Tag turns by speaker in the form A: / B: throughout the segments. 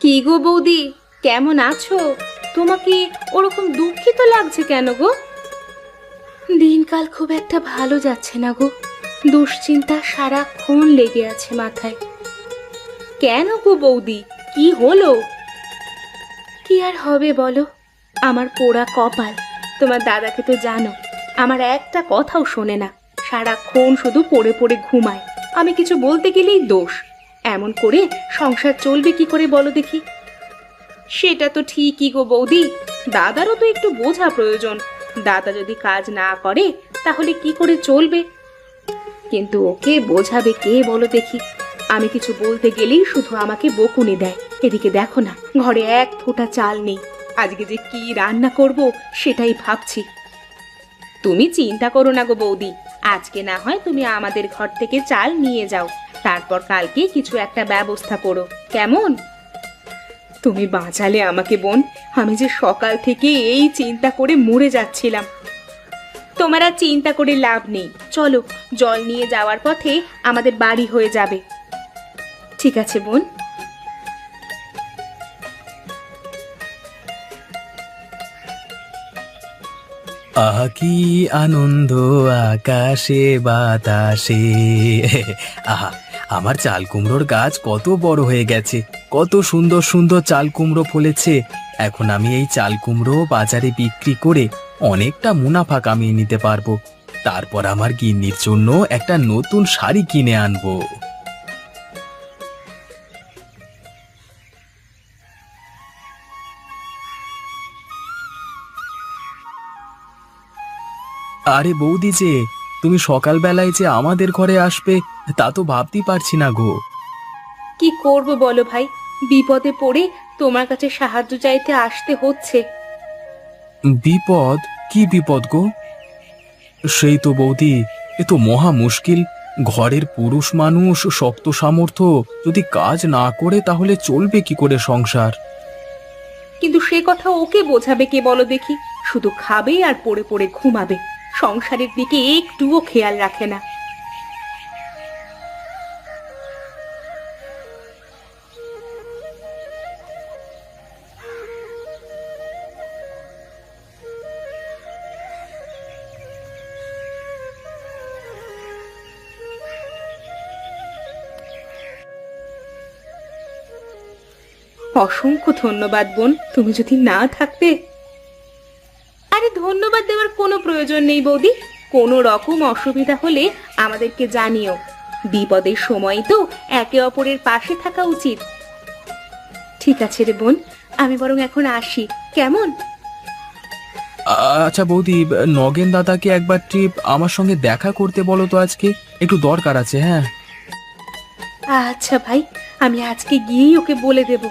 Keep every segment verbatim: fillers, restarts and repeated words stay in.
A: কি গো বৌদি, কেমন আছো? তোমাকে ওরকম দুঃখিত লাগছে কেন গো? দিনকাল খুব একটা ভালো যাচ্ছে না গো। দুশ্চিন্তা সারাক্ষণ লেগে আছে মাথায়। কেন গো বৌদি, কি হলো? কি আর হবে বলো, আমার পোড়া কপাল। তোমার দাদাকে তো জানো, আমার একটা কথাও শোনে না, সারাক্ষণ শুধু পড়ে পড়ে ঘুমায়। আমি কিছু বলতে গেলেই দোষ। এমন করে সংসার চলবে কি করে বলো দেখি? সেটা তো ঠিকই গো বৌদি, দাদারও তো একটু বোঝা প্রয়োজন। দাদা যদি কাজ না করে তাহলে কি করে চলবে? কিন্তু ওকে বোঝাবে কে বলো দেখি? আমি কিছু বলতে গেলেই শুধু আমাকে বকুনি দেয়। এদিকে দেখো না, ঘরে এক ফোঁটা চাল নেই। আজকে যে কি রান্না করব সেটাই ভাবছি। তুমি চিন্তা করো না গো বৌদি, আজকে না হয় তুমি আমাদের ঘর থেকে চাল নিয়ে যাও, তারপর কালকে কিছু একটা ব্যবস্থা করো, কেমন? তুমি বাঁচালে আমাকে বোন, আমি যে সকাল থেকে এই চিন্তা করে মরে যাচ্ছিলাম। তোমার আর চিন্তা করে লাভ নেই, চলো, জল নিয়ে যাওয়ার পথে আমাদের বাড়ি হয়ে যাবে। ঠিক আছে বোন।
B: আহা কি আনন্দ আকাশে বাতাসে। আহা, আমার চাল কুমড়োর গাছ কত বড় হয়ে গেছে, কত সুন্দর সুন্দর চাল কুমড়ো ফলেছে। এখন আমি এই চাল কুমড়ো বাজারে বিক্রি করে অনেকটা মুনাফা কামিয়ে নিতে পারবো। তারপর আমার গিন্নির জন্য একটা নতুন শাড়ি কিনে আনবো। আরে বৌদি যে, তুমি সকালবেলায় যে আমাদের ঘরে আসবে তা তো ভাবতেই পারছি না গো।
A: কি করব বলো ভাই, বিপদে পড়ে তোমার কাছে সাহায্য চাইতে আসতে হচ্ছে।
B: বিপদ? কি বিপদ গো? সেই তো বৌদি, এ তো মহা মুশকিল। ঘরের পুরুষ মানুষ শক্ত সামর্থ্য, যদি কাজ না করে তাহলে চলবে কি করে সংসার?
A: কিন্তু সে কথা ওকে বোঝাবে কে বলো দেখি? শুধু খাবে আর পড়ে পড়ে ঘুমাবে, সংসারের দিকে একটুও খেয়াল রাখে না। অসংখ্য ধন্যবাদ বোন, তুমি যদি না থাকতে। আরে ধন্যবাদ দেওয়ার কোনো প্রয়োজন নেই বৌদি, কোনো রকম অসুবিধা হলে আমাদেরকে জানিও। বিপদের সময় তো একে অপরের পাশে থাকা উচিত। ঠিক আছে রে বোন, আমি বরং এখন আসি, কেমন?
B: আচ্ছা বৌদি, নগেন দাদাকে একবার ট্রিপ আমার সঙ্গে দেখা করতে বলো তো, আজকে একটু দরকার আছে। হ্যাঁ
A: আচ্ছা ভাই, আমি আজকে গিয়েই ওকে বলে দেব।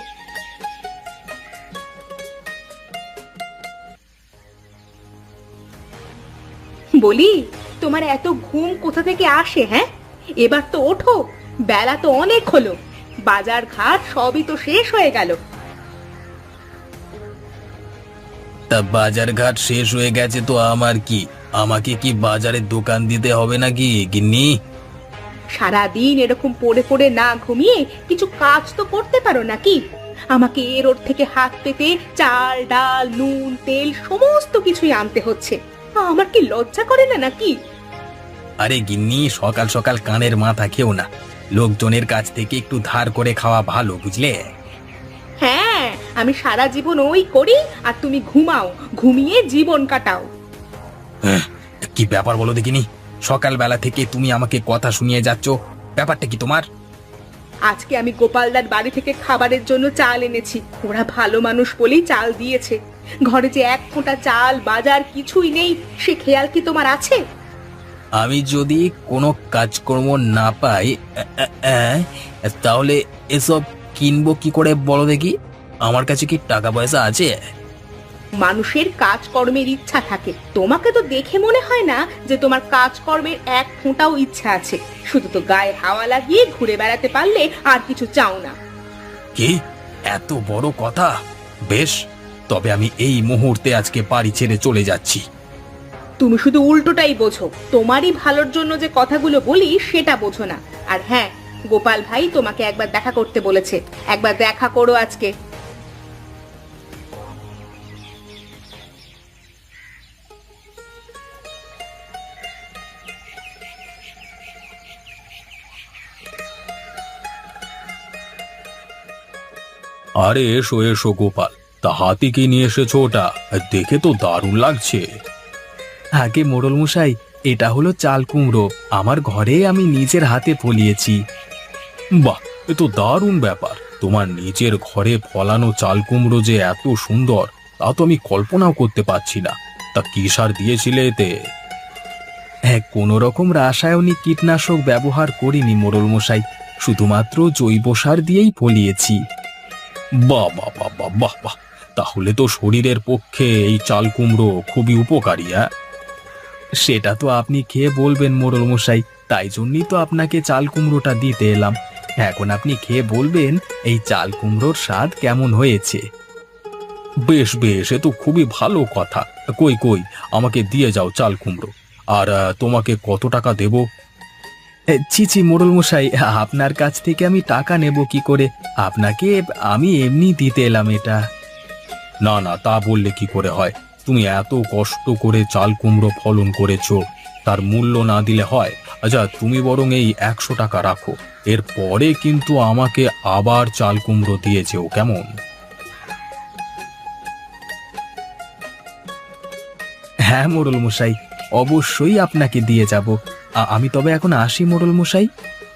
A: বলি, তোমার এত ঘুম কোথা থেকে আসে? হ্যাঁ, এবার তো ওঠো, বেলা তো অনেক হলো, বাজার ঘাট সবই তো শেষ হয়ে গেল।
B: তা বাজার ঘাট শেষ হয়ে গেছে তো আমার কি? আমাকে কি বাজারের দোকান দিতে হবে নাকি গিন্নি?
A: সারাদিন এরকম পড়ে পড়ে না ঘুমিয়ে কিছু কাজ তো করতে পারো নাকি? আমাকে এর ওর থেকে হাত পেতে চাল ডাল নুন তেল সমস্ত কিছুই আনতে হচ্ছে। আমার কি লজ্জা করে না নাকি?
B: আরে গিন্নি, সকাল সকাল কানের মাথা খেও না। লোকজনের কাছ থেকে একটু ধার করে খাওয়া ভালো, বুঝলে?
A: হ্যাঁ, আমি সারা জীবন ওই করি আর তুমি ঘুমাও, ঘুমিয়ে জীবন কাটাও।
B: হ্যাঁ, কি ব্যাপার বলো দেখিনি? সকালবেলা থেকে তুমি আমাকে কথা শুনিয়ে যাচ্ছ, ব্যাপারটা কি তোমার?
A: আজকে আমি গোপালদার বাড়ি থেকে খাবারের জন্য চাল এনেছি, ওরা ভালো মানুষ বলেই চাল দিয়েছে। ঘরে যে এক ফোঁটা চাল বাজার কিছুই নেই, সে খেয়াল কি তোমার আছে?
B: আমি যদি কোনো কাজকর্ম না পাই আ, আ, আ, তাহলে এসব কিনবো কি করে বলো দেখি? আমার কাছে কি টাকা পয়সা আছে?
A: মানুষের কাজকর্মের ইচ্ছা থাকে, তোমাকে তো দেখে মনে হয় না যে তোমার কাজকর্মের এক ফোঁটাও ইচ্ছা আছে। শুধু তো গায়ে হাওয়া লাগিয়ে ঘুরে বেড়াতে পারলে আর কিছু চাও না।
B: কি এত বড় কথা? বেশ, তবে আমি এই মুহূর্তে আজকে বাড়ি ছেড়ে চলে যাচ্ছি।
A: তুমি শুধু উল্টোটাই বোঝো, তোমারই ভালোর জন্য যে কথাগুলো বলি সেটা বোঝো না। আর হ্যাঁ, গোপাল ভাই তোমাকে একবার দেখা করতে বলেছে, একবার দেখা করো আজকে।
B: আরে এসো এসো গোপাল, তা হাতি কি নিয়ে এসেছো? ওটা দেখে তো দারুণ লাগছে। আগে মোড়ল মশাই, এটা হলো চাল কুমড়ো, আমার ঘরে আমি নিজের হাতে ফলিয়েছি। বাহ, এ তো দারুণ ব্যাপার। তোমার নিজের ঘরে ফলানো চাল কুমড়ো যে এত সুন্দর তা তো আমি কল্পনাও করতে পারছি না। তা কি সার দিয়েছিলে এতে? হ্যাঁ, কোনো রকম রাসায়নিক কীটনাশক ব্যবহার করিনি মোড়ল মশাই, শুধুমাত্র জৈব সার দিয়েই ফলিয়েছি। বাহ বাহ বাহ বাহ বাহ বাহ, তাহলে তো শরীরের পক্ষে এই চাল কুমড়ো খুবই উপকারী। হ্যাঁ, সেটা তো আপনি খেয়ে বলবেন মোড়ল মশাই, তাই জন্যই তো আপনাকে চাল কুমড়োটা দিতে এলাম। এখন আপনি খেয়ে বলবেন এই চাল কুমড়োর স্বাদ কেমন হয়েছে। বেশ বেশ, এ তো খুবই ভালো কথা। কই কই, আমাকে দিয়ে যাও চাল কুমড়ো। আর আহ, তোমাকে কত টাকা দেব? ছি ছি মোড়ল মশাই, আপনার কাছ থেকে আমি টাকা নেব কি করে? আপনাকে আমি এমনি দিতে এলাম এটা। না না, তা বললে কি করে হয়? তুমি এত কষ্ট করে চাল কুমড়ো ফলন করেছো, তার মূল্য না দিলে হয়? আচ্ছা, তুমি বরং এই একশো টাকা রাখো, এর পরে কিন্তু আমাকে আবার চাল কুমড়ো দিয়ে যেও, কেমন? হ্যাঁ মোড়ল মশাই, অবশ্যই আপনাকে দিয়ে যাব। আ- আমি তবে এখন আসি মোড়ল মশাই।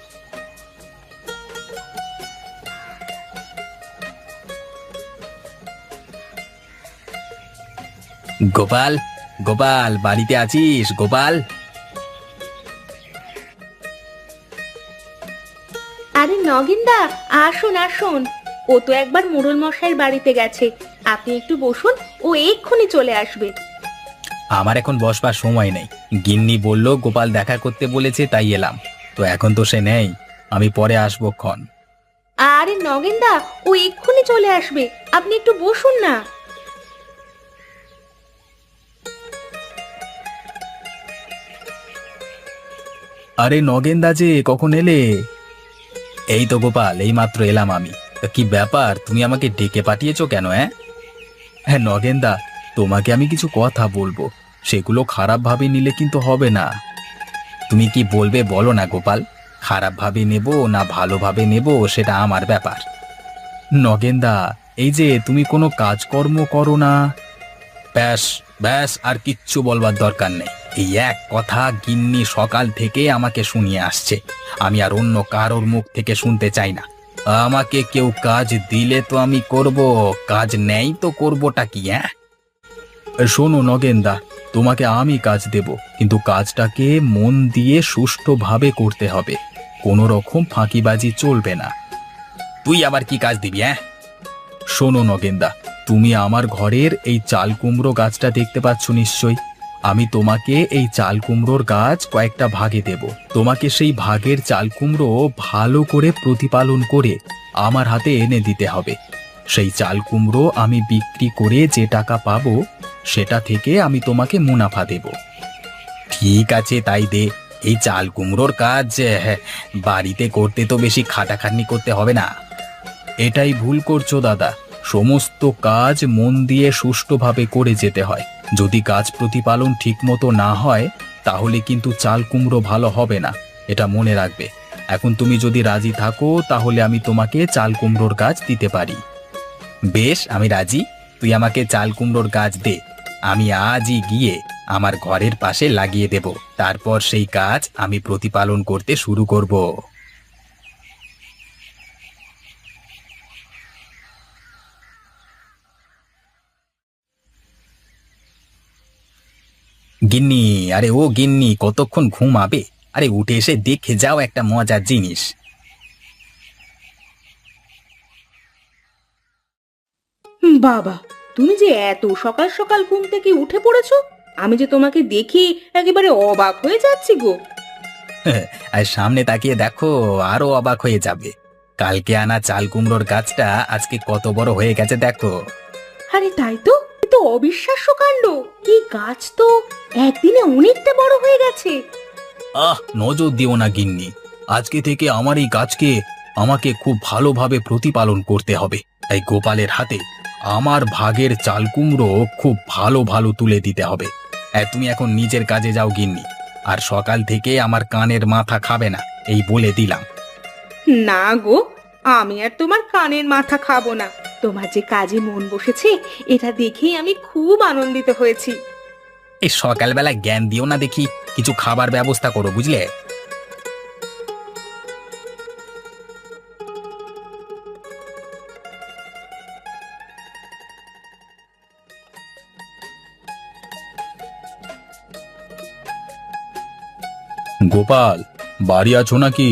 B: গোপাল, গোপাল, বাড়িতে আছিস গোপাল?
A: আরে নগেনদা, আসুন আসুন। ও তো একবার মোড়ল মশাইয়ের বাড়িতে গেছে, আপনি একটু বসুন, ও এক্ষুনি চলে আসবে।
B: আমার এখন বসবার সময় নেই। গিন্নি বলল গোপাল দেখা করতে বলেছে, তাই এলাম। তো এখন তো সে নেই, আমি পরে আসবো ক্ষণ।
A: আরে নগেনদা, ও এক্ষুনি চলে আসবে, আপনি একটু বসুন না।
B: আরে নগেনদা যে, কখন এলে? এই তো গোপাল, এই মাত্র এলাম আমি। তা কি ব্যাপার, তুমি আমাকে ডেকে পাঠিয়েছো কেন? হ্যাঁ হ্যাঁ নগেনদা, তোমাকে আমি কিছু কথা বলবো, সেগুলো খারাপ ভাবে নিলে কিন্তু হবে না। তুমি কি বলবে বলো না গোপাল, খারাপ ভাবে নেব না ভালোভাবে নেব সেটা আমার ব্যাপার। নগেনদা, এই যে তুমি কোনো কাজকর্ম করো না। ব্যাস ব্যাস, আর কিচ্ছু বলবার দরকার নেই। এই এক কথা গিন্নি সকাল থেকে আমাকে শুনিয়ে আসছে, আমি আর অন্য কারোর মুখ থেকে শুনতে চাই না। আমাকে কেউ কাজ দিলে তো আমি করব, কাজ নেই তো করবোটা কি? হ্যাঁ, শোনো নগেনদা, তোমাকে আমি কাজ দেব, কিন্তু কাজটাকে মন দিয়ে সুষ্ঠুভাবে করতে হবে, কোনো রকম ফাঁকিবাজি চলবে না। তুই আবার কি কাজ দিবি? হ্যাঁ, শোনো নগেনদা, তুমি আমার ঘরের এই চাল কুমড়ো গাছটা দেখতে পাচ্ছ নিশ্চয়ই। আমি তোমাকে এই চাল কুমড়োর গাছ কয়েকটা ভাগে দেব। তোমাকে সেই ভাগের চাল কুমড়ো ভালো করে প্রতিপালন করে আমার হাতে এনে দিতে হবে। সেই চাল কুমড়ো আমি বিক্রি করে যে টাকা পাবো, সেটা থেকে আমি তোমাকে মুনাফা দেব। ঠিক আছে, তাই দে। এই চাল কুমড়োর কাজ হ্যাঁ, বাড়িতে করতে তো বেশি খাটাখাটনি করতে হবে না। এটাই ভুল করছো দাদা, সমস্ত কাজ মন দিয়ে সুষ্ঠুভাবে করে যেতে হয়। যদি কাজ প্রতিপালন ঠিকমতো না হয়, তাহলে কিন্তু চাল কুমড়ো ভালো হবে না, এটা মনে রাখবে। এখন তুমি যদি রাজি থাকো, তাহলে আমি তোমাকে চাল কুমড়োর গাছ দিতে পারি। বেশ, আমি রাজি। তুই আমাকে চাল কুমড়োর গাছ দে, আমি আজই গিয়ে আমার ঘরের পাশে লাগিয়ে দেব। তারপর সেই কাজ আমি প্রতিপালন করতে শুরু করব। গিন্নি, আরে ও গিন্নি, কতক্ষণ ঘুমাবে? আরে উঠে এসে দেখে যাও একটা মজার জিনিস।
A: বাবা, তুমি যে এত সকাল সকাল ঘুম থেকে উঠে পড়েছো, আমি যে তোমাকে দেখি একেবারে অবাক হয়ে যাচ্ছি গো।
B: আর সামনে তাকিয়ে দেখো, আরো অবাক হয়ে যাবে। কালকে আনা চাল কুমড়োর গাছটা আজকে কত বড় হয়ে গেছে দেখো।
A: আরে তাই তো, এ তো অবিশ্বাস্য কাণ্ড। এই গাছ তো একদিনে অনেকটা বড় হয়ে গেছে।
B: আহ, নজর দিও না গিন্নি, আজকে থেকে আমার এই গাছকে আমাকে খুব ভালোভাবে প্রতিপালন করতে হবে। তাই গোপালের হাতে আমার ভাগের চাল কুমড়ো খুব ভালো ভালো তুলে দিতে হবে। হ্যাঁ, তুমি এখন নিজের কাজে যাও গিন্নি, আর সকাল থেকে আমার কানের মাথা খাবে না, এই বলে দিলাম।
A: না গো, আমি আর তোমার কানের মাথা খাবো না। তোমার যে কাজে মন বসেছে এটা দেখেই আমি খুব আনন্দিত হয়েছি।
B: এই সকালবেলা জ্ঞান দিও না দেখি, কিছু খাবার ব্যবস্থা করো বুঝলে। গোপাল, বাড়ি আছো নাকি?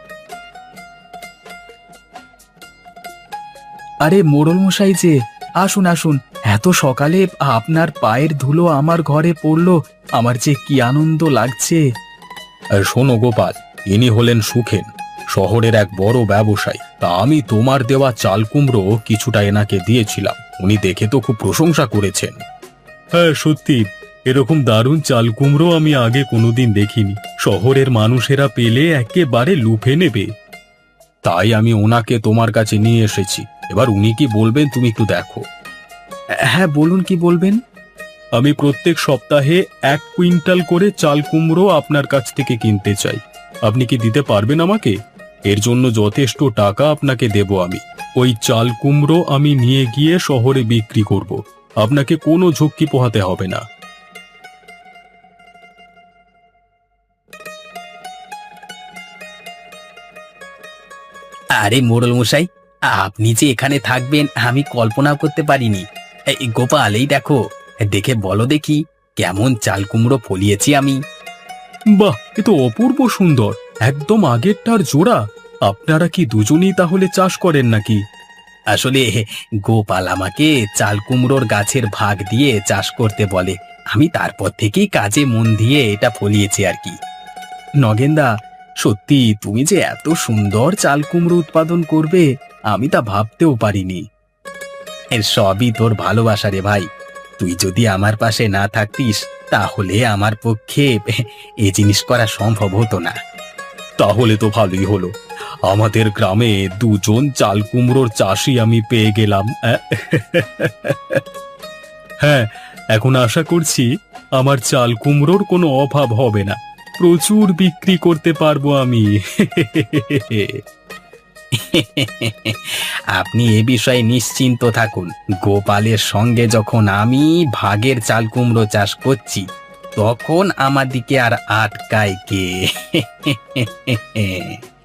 B: আরে মোড়ল মশাই যে, আসুন আসুন। এত সকালে আপনার পায়ের ধুলো আমার ঘরে পড়লো, আমার যে কি আনন্দ লাগছে। শোনো গোপাল, ইনি হলেন সুখেন, শহরের এক বড় ব্যবসায়ী। তা আমি তোমার দেওয়া চাল কুমড়ো কিছুটা এনাকে দিয়েছিলাম, উনি দেখে তো খুব প্রশংসা করেছেন। হ্যাঁ সত্যি, এরকম দারুণ চাল কুমড়ো আমি আগে কোনোদিন দেখিনি। শহরের মানুষেরা পেলে একেবারে লুফে নেবে। তাই আমি ওনাকে তোমার কাছে নিয়ে এসেছি। এবার উনি কি বলবেন তুমি একটু দেখো। হ্যাঁ বলুন, কি বলবেন? আমি প্রত্যেক সপ্তাহে এক কুইন্টাল করে চাল কুমড়ো আপনার কাছ থেকে কিনতে চাই। আপনি কি দিতে পারবেন আমাকে? এর জন্য যথেষ্ট টাকা আপনাকে দেব আমি। ওই চাল কুমড়ো আমি নিয়ে গিয়ে শহরে বিক্রি করব। আপনাকে কোনো ঝক্কি পোহাতে হবে না। আরে মোড়ল মশাই, আপনি যে এখানে থাকবেন আমি কল্পনা করতে পারিনি। এই গোপাল, এই দেখো, দেখে বলো দেখি কেমন চাল কুমড়ো ফলিয়েছি আমি। বাহ, এ তো অপূর্ব সুন্দর, একদম আগেরটার জোড়া। আপনারা কি দুজনেই তাহলে চাষ করেন নাকি? আসলে গোপাল আমাকে চাল কুমড়োর গাছের ভাগ দিয়ে চাষ করতে বলে, আমি তারপর থেকেই কাজে মন দিয়ে এটা ফলিয়েছি আর কি। নগেনদা, সত্যি তুমি যে এত সুন্দর চাল কুমড়ো উৎপাদন করবে আমি তা ভাবতেও পারিনি। এর সবই তোর ভালোবাসা রে ভাই। তুই যদি আমার পাশে না থাকতিস তাহলে আমার পক্ষে এ জিনিস করা সম্ভব হতো না। তাহলে তো ভালোই হলো, আমাদের গ্রামে দুজন চাল কুমড়োর চাষি আমি পেয়ে গেলাম। হ্যাঁ, এখন আশা করছি আমার চাল কুমড়োর কোনো অভাব হবে না, প্রচুর বিক্রি করতে পারবো আমি। আপনি এ বিষয়ে নিশ্চিন্ত থাকুন, গোপালের সঙ্গে যখন আমি ভাগের চাল কুমড়ো চাষ করছি তখন আমার দিকে আর আটকায় কে?